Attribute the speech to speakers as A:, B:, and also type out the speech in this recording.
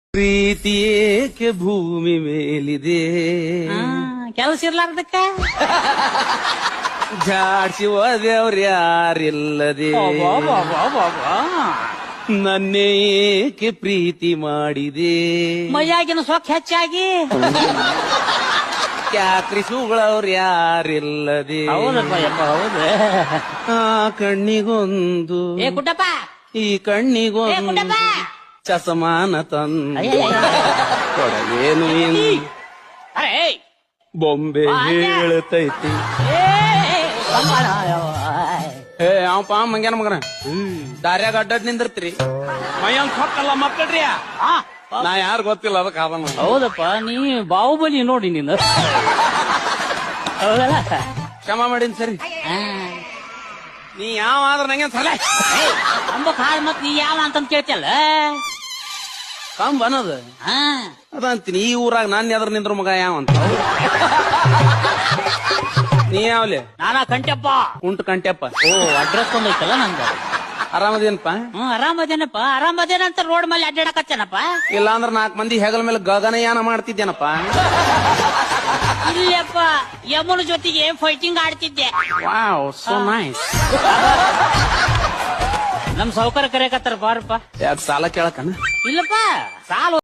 A: ಪ್ರೀತಿ ಏಕೆ ಭೂಮಿ ಮೇಲಿದೆ
B: ಕೆಲಸ ಇರ್ಲಾರ್ದಕ್ಕ
A: ಜಾಡ್ಸಿ ಹೋದವ್ರು ಯಾರಿಲ್ಲದೆ ನನ್ನೇ ಏಕೆ ಪ್ರೀತಿ ಮಾಡಿದೆ
B: ಮೈಯಾಗಿನ ಸೊಕ್ಕ ಹೆಚ್ಚಾಗಿ
A: ಕ್ಯಾಕ್ರಿ ಸುಗಳವ್ರು ಯಾರಿಲ್ಲದೆ
B: ಹೌದಪ್ಪ ಯಪ್ಪ ಹೌದು
A: ಆ ಕಣ್ಣಿಗೊಂದು
B: ಏ ಕುಟ್ಟಪ್ಪ
A: ಈ
B: ಏ
A: ಕಣ್ಣಿಗೊಂದು
B: ಕುಟ್ಟಪ್ಪ
A: ಚಸಮಾನ ತಂದು
B: ಅಯ್ಯಯ್ಯ.
A: ಕೊಡಗೇನು ಇನ್ನು
B: ಅರೆ ಏಯ್.
A: ಬೊಂಬೆ ಹೇಳ್ತೈತಿ ಏ ಅವಪ್ಪ ಮಂಗ್ಯಾನ ಮಗನ ದಾರ್ಯಾಗ ಅಡ್ಡಾಡ್ ನಿಂದಿರ್ತೀರಿ ಮೈಯಂಗ್ ಹೊಕ್ಕಲ್ಲ ಮಕ್ಕಳ್ರಿ
B: ಆ,
A: ನಾ ಯಾರು ಗೊತ್ತಿಲ್ಲ ಅದಕ್ಕೆ ಅದನ್ನ
B: ಹೌದಪ್ಪ ನೀ ಬಾಹುಬಲಿ ನೋಡಿ ನೀನು ಹೌದಲ್ಲ
A: ಕ್ಷಮ ಮಾಡಿನ್ ಸರಿ
B: ಆ.
A: ನೀ ಯಾವ ಆದ್ರ ನಂಗೆ ಸಲ
B: ಏಯ್, ಅಂಬಕ್ ಹಾಳ್ ಮತ್ ನೀ ಯಾವ ಅಂತಂದ್ ಕೇಳ್ತಿಯಲ್ಲ
A: ಕಂಬ ಅನ್ನೋದು
B: ಹಾ
A: ಅದಂತೀನಿ ಈ ಊರಾಗ ನಾನ್ ಎದ್ರ ನಿಂದ್ರ ಮಗ ಯಾವ ಅಂತ ನೀ ಯಾವ್ಲೆ
B: ನಾನ ಕಂಟಪ್ಪ
A: ಕುಂಟು ಕಂಟ್ಯಪ್ಪ
B: ಓ ಅಡ್ರೆಸ್ ಒಂದೈತಲ್ಲ ನಂದು
A: ಆರಾಮದೇನಪ್ಪ
B: ಆರಾಮದೇನಪ್ಪ ಆರಾಮದೇನಂತ ರೋಡ್ ಮೇಲೆ ಅಡ್ಡಾಡಕತ್ತೇನಪ್ಪ
A: ಇಲ್ಲ ಅಂದ್ರ 4 ಮಂದಿ ಹೆಗಲ ಮೇಲೆ ಗಗನಯಾನ ಮಾಡ್ತಿದ್ದೇನಪ್ಪ
B: ಇಲ್ಲಪ್ಪ ಯಮುನ ಜೊತೆಗೆ ಫೈಟಿಂಗ್ ಆಡ್ತಿದ್ದೆ
A: ವಾವ್ ಸೋ ನೈಸ್
B: ನಮ್ ಸೌಕರ್ಯ ಕರೆಯಕತ್ತಾರ ಬಾರಪ್ಪ
A: ಯಾಕೆ ಸಾಲ ಕೇಳಕನ
B: ಇಲ್ಲಪ್ಪ ಸಾಲ